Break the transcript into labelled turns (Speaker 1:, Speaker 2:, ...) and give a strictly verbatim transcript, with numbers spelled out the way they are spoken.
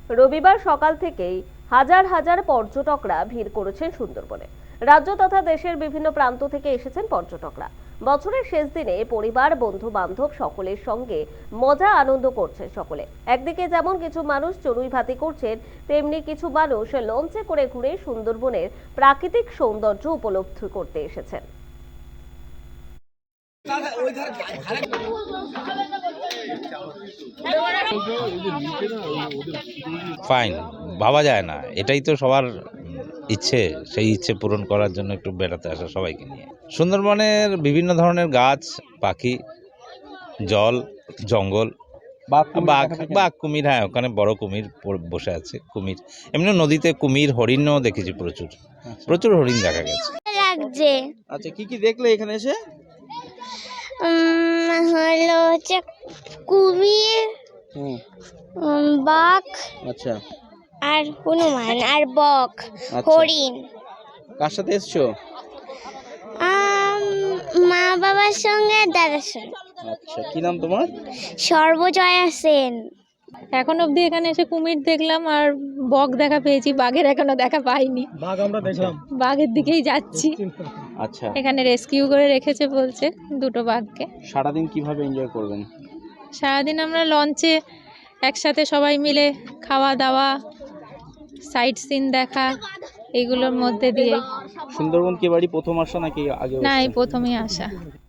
Speaker 1: রবিবার সকাল থেকেই হাজার হাজার পর্যটকরা ভিড় করেছেন সুন্দরবনে। রাজ্য তথা দেশের বিভিন্ন প্রান্ত থেকে এসেছেন পর্যটকরা। বছরের শেষ দিনে পরিবার, বন্ধু বান্ধব সকলের সঙ্গে মজা আনন্দ করছেন সকলে। একদিকে যেমন কিছু মানুষ চড়ুই ভাতি করছেন, তেমনি কিছু মানুষ লঞ্চে করে ঘুরে সুন্দরবনের প্রাকৃতিক সৌন্দর্য উপলব্ধি করতে এসেছেন।
Speaker 2: ফাইন, ভাবা যায় না, এটাই তো সবার ইচ্ছে, সেই ইচ্ছে পূরণ করার জন্য একটু বেড়াতে আসা সবাইকে নিয়ে। সুন্দরবনের বিভিন্ন ধরনের গাছ, পাখি, জল, জঙ্গল, বাঘ বাঘ কুমির, হ্যাঁ ওখানে বড় কুমির বসে আছে, কুমির। এমনি নদীতে কুমির, হরিণও দেখেছি, প্রচুর প্রচুর হরিণ দেখা গেছে।
Speaker 3: লাগছে।
Speaker 4: আচ্ছা, কি কি দেখলে এখানে এসে?
Speaker 3: উম, হলো হচ্ছে কুমির,
Speaker 4: হুম,
Speaker 3: উম, বাঘ,
Speaker 4: আচ্ছা
Speaker 3: আর হনুমান, আর বক,
Speaker 4: আচ্ছা।
Speaker 3: হরিণ।
Speaker 4: কার সাথে এসছো?
Speaker 3: আম, মা বাবার সঙ্গে আর দাদার সঙ্গে।
Speaker 4: আচ্ছা, কি নাম তোমার?
Speaker 3: সর্বজয়া সেন।
Speaker 5: এখন অবধি এখানে এসে কুমির দেখলাম আর বক দেখা পেয়েছি, বাঘের এখনো দেখা পাইনি।
Speaker 4: বাঘ আমরা দেখলাম।
Speaker 5: বাঘের দিকেই যাচ্ছি।
Speaker 4: আচ্ছা,
Speaker 5: এখানে রেস্কিউ করে রেখেছে বলছে দুটো বাঘকে।
Speaker 4: সারাদিন কিভাবে এনজয় করবেন?
Speaker 5: সারাদিন আমরা লঞ্চে একসাথে সবাই মিলে খাওয়া দাওয়া, সাইট সিন দেখা, এগুলোর মধ্যে দিয়ে।
Speaker 4: সুন্দরবন কি বাড়ি প্রথম আসা নাকি আগে?
Speaker 5: না, এই প্রথমেই আসা।